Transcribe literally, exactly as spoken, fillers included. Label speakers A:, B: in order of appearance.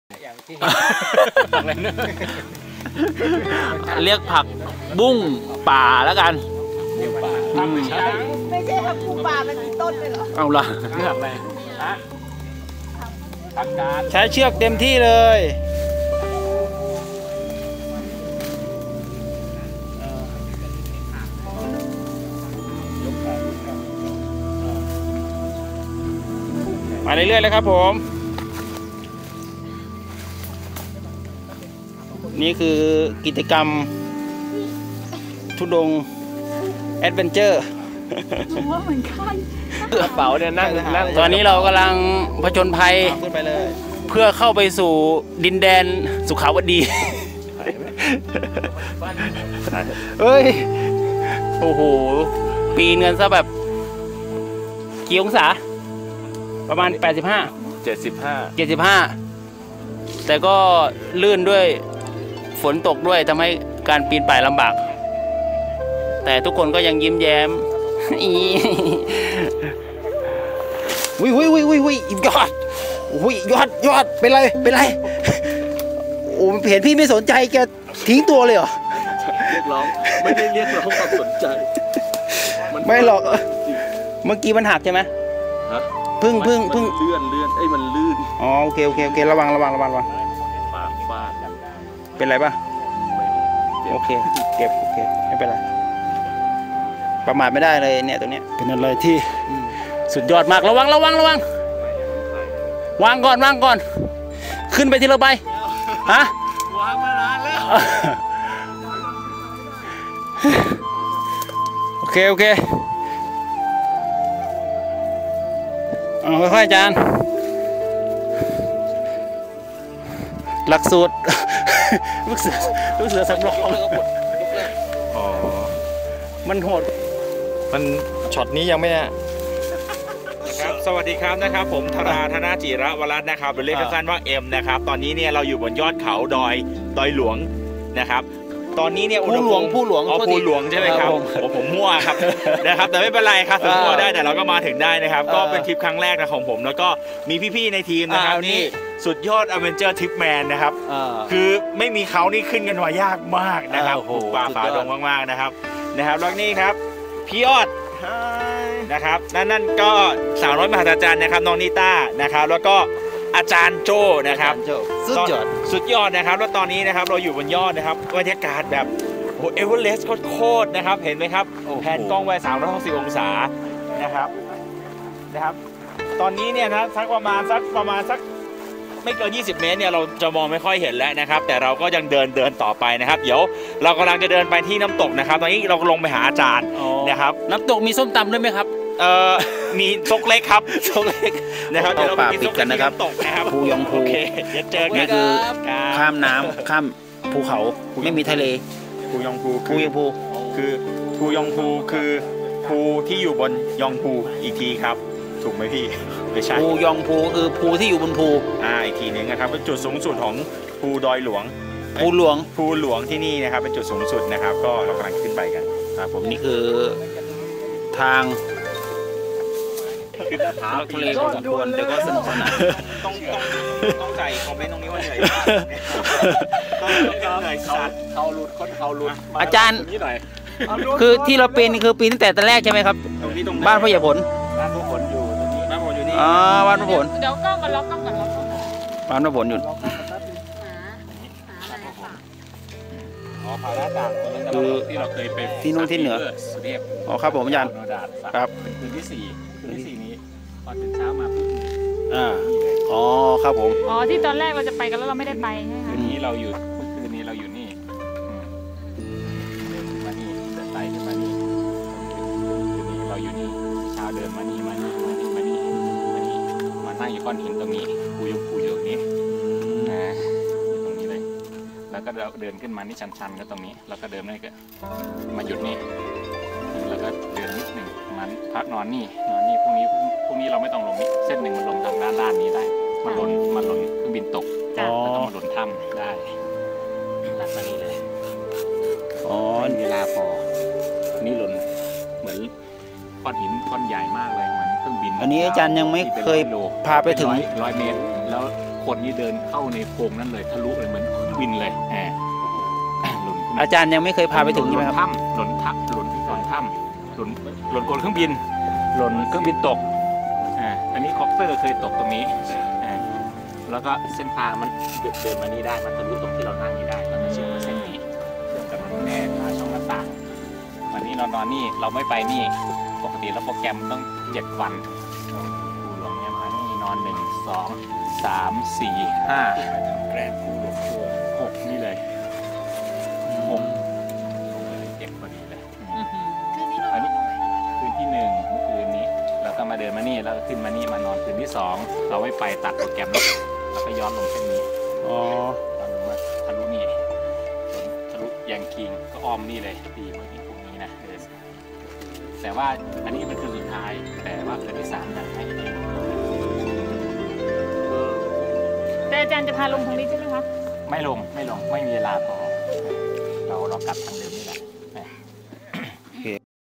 A: อย่างที่
B: เรียกผักบุ้งป่าแล้วกัน
C: ไม่ใช่ผักบุ้งป่ามันมีต้นเลยเหรอ
B: เอาละ
A: เชือกอะไรฮะทำการ
B: ใช้เชือกเต็มที่เลย มาเรื่อยๆเลยครับผมนี่คือกิจกรรมทุดงแอดเวนเจอร์
C: ว่าเหมือนกัน
A: กระเป๋าเนี่ยนั่งนั่ง
B: ตอนนี้เรากำลังผจญภัยขึ้นไปเลยเพื่อเข้าไปสู่ดินแดนสุขาวดีเฮ้ยโอ้โหปีนกันซะแบบกี่องศาประมาณแปดสิบห้า
A: เจ็ดสิบห้า
B: เจ็ดสิบห้าแต่ก็ลื่นด้วยฝนตกด้วยทำให้การปีนป่ายลำบากแต่ทุกคนก็ยังยิ้มแย้มวิววิววิววิยอดวิยอดยอดเป็นไรเป็นไรโอ้เห็นพี่ไม่สนใจแกทิ้งตัวเลยเหรอ
A: เรียกร้องไม่ได้เรียกร้องความสนใจ
B: ไม่หรอกเมื่อกี้มันหักใช่ไหม
A: ฮะ
B: พึ่งพึ่งพึ่ง
A: เลื่อนเลื่อนไอ้มันลื่น
B: อ๋อโอเคโอเคโอเคระวังระวังระวังระวัง
A: ปากฟาด
B: เป็นไรป่ะโอเคเก็บโอเคไม่เป็นไรประมาทไม่ได้เลยเนี่ยตรงนี้เป็นอะไรที่สุดยอดมากระวังระวังระวังวางก่อนวางก่อนขึ้นไปทีละใบฮะ
A: วางมานานแล้ว
B: โอเคโอเคเอาค่อยๆอาจารย์หลักสูตรลูกเสือลูกเสือสำรอง
A: อ๋อ
B: มันโหด
A: มันช็อตนี้ยังไม่นะครับสวัสดีครับนะครับผมธราธนาจิระวรัตน์นะครับหรือเรียกสั้นๆว่าเอ็มนะครับตอนนี้เนี่ยเราอยู่บนยอดเขาดอยดอยหลวงนะครับตอนนี้เนี่ย
B: ผู้หลวงผู้หลวง
A: อ๋อผู้หลวงใช่ไหมครับโอ้ผมมั่วครับนะครับแต่ไม่เป็นไรครับถึงมั่วได้แต่เราก็มาถึงได้นะครับก็เป็นทริปครั้งแรกนะของผมแล้วก็มีพี่ๆในทีมนะครับนี่สุดยอดอเวนเจอร์ทริปแมนนะครับคือไม่มีเขานี่ขึ้นกันมายากมากนะครับป่าฝ่าดงมากๆนะครับนะครับแล้วนี่ครับพี่ยอดนะครับนั่นนั่นก็สาวน้อยมหัศจรรย์นะครับน้องนิต้านะครับแล้วก็อาจารย์โจนะครับ
B: สุดยอด
A: สุดยอดนะครับแล้วตอนนี้นะครับเราอยู่บนยอดนะครับบรรยากาศแบบโอ้เอเวอเรสต์โคตรนะครับเห็นไหมครับแผนกล้องไว้สามร้อยหกสิบองศานะครับนะครับตอนนี้เนี่ยนะสักประมาณสักประมาณสักไม่เกินยี่สิบเมตรเนี่ยเราจะมองไม่ค่อยเห็นแล้วนะครับแต่เราก็ยังเดินเดินต่อไปนะครับเดี๋ยวเรากำลังจะเดินไปที่น้ำตกนะครับตอนนี้เราลงไปหาอาจารย์นะครับ
B: น้ำตกมีส้มตำด้วยไหมครับ
A: เอ่อมีซกเล็กครับซกเล็กนะครับเดี๋ยวเราไปกินซกกันนะครับ
B: ตกนะครับภูยองภู
A: เดี๋ยวเจอกัน
B: นี่คือข้ามน้ำข้ามภูเขาไม่มีทะเล
A: ภูยองภู
B: ภูยองภู
A: คือภูยองภูคือภูที่อยู่บนยองภูอีกทีครับถูกไหมพี่ไม่ใช่
B: ภูยองภูคือภูที่อยู่บนภู
A: อ่าอีกทีนึงนะครับเป็นจุดสูงสุดของภูดอยหลวง
B: ภูหลวง
A: ภูหลวงที่นี่นะครับเป็นจุดสูงสุดนะครับก็เรากำลังขึ้นไปกัน
B: ครับผมนี่คือทางทะเลพอสมควรแต่ก็สนุกสนาน
A: ต้องต้องต้องใส่คอมเมนต์ตรงนี้ว่าเหนื่อยต้องเหนื่อยสัตว์เขาหลุดคนเขาหลุด
B: อาจารย์คือที่เราปีนคือปีนตั้งแต่ตอนแรกใช่ไหมครับบ้านพ่อใหญ่ผล
A: บ้านพ่อผลอยู่ตรงนี้บ้านพ่อผลอยู่นี่
B: อ๋อบ้านพ่อผล
C: เดี๋ยวกล้องกันล็อกกล้องกันล็อก
B: บ้านพ่อผลอยู่
A: อ๋อพาราต่างคือที่เราเคยไป
B: ที่นู่นที่เหนืออ๋อครับผมอาจารย์ครับ
A: เป็นคืนที่สี่คืนที่สี่นี้ตอนตื่นเช้ามาปุ๊บ
B: อ่าอ๋อครับผม
C: อ๋อที่ตอนแรกเราจะไปกันแล้วเราไม่ได้ไปใช่ไหม
A: คืนนี้เราอยู่คืนนี้เราอยู่นี่เดินมานี่เดินไต่ขึ้นมานี่คืนนี้เราอยู่นี่เช้าเดินมานี่มานี่มานี่มานี่มานี่มานั่งอยู่ก้อนหินตรงนี้ปูยงปูอยู่นี้นะอยู่ตรงนี้เลยแล้วก็เดินขึ้นมานี่ชันๆก็ตรงนี้แล้วก็เดินนี่ก็มาหยุดนี่แล้วก็เดินนิดหนึ่งมันพักนอนนี่นอนนี่พรุ่งนี้พรุ่งนี้เราไม่ต้องลงนี่เส้นหนึ่งมันลงทางด้านด้านนี้ได้มันลงมันลงเครื่องบินตกแล้วก็มาลงถ้ำได้หลังจากนี้เลย
B: อ๋อ
A: เวลาพอนี่หล่นเหมือนก้อนหินก้อนใหญ่มากเลยเหมือนเครื่องบิน
B: อันนี้อาจารย์ยังไม่เคยพาไปถึง
A: ร้อยเมตรแล้วคนนี่เดินเข้าในโพรงนั้นเลยทะลุเลยเหมือนวินเลยแหมหล่นขึ้นมา
B: อาจารย์ยังไม่เคยพาไปถึงใช่ไหมครับ
A: ถ้ำหล่นถ้ำหล่นหล่นถ้ำหล่นหล่นบนเครื่องบินหล่นเครื่องบินตกอ่าอันนี้คอปเตอร์เคยตกตรงนี้อ่าแล้วก็เส้นทางมันเดินเดินมานี่ได้มันทะลุตรงที่เรานั่งนี่ได้แล้วก็เชื่อมกับเส้นนี้เชื่อมกับแม่ขาช่องหน้าต่างวันนี้เรานอนนี่เราไม่ไปนี่ปกติแล้วโปรแกรมต้องเจ็ดวันภูหลวงเนี่ยมานี่นอนหนึ่งสองสามสี่ห้าแกรนภูหลวงทัวร์หกนี่เลยหกลงเลยเจ็บพอดีเลย
C: คืนนี้เรา
A: อันนี้คืนที่หนึ่งเมื่อคืนนี้เราก็มาเดินมานี่แล้วก็ขึ้นมานี่มานอนคืนที่สองเราไม่ไปตัดโปรแกรมแล้วเราก็ย้อนลงเส้นนี้
B: อ๋อ
A: ย้อนลงมาทะลุนี่ทะลุแยงคิงก็อ้อมนี่เลยดีเมื่อกี้พรุ่งนี้นะเดินแต่ว่าอันนี้มันคือสุดท้ายแต่ว่าคืนที่สามอยากให้เอง
D: แต่อาจารย์จะพาลงตรงนี้ใช่ไหมคะ
A: ไม่ลงไม่ลงไม่มีเวลาพอเราเรากลับทางเดิม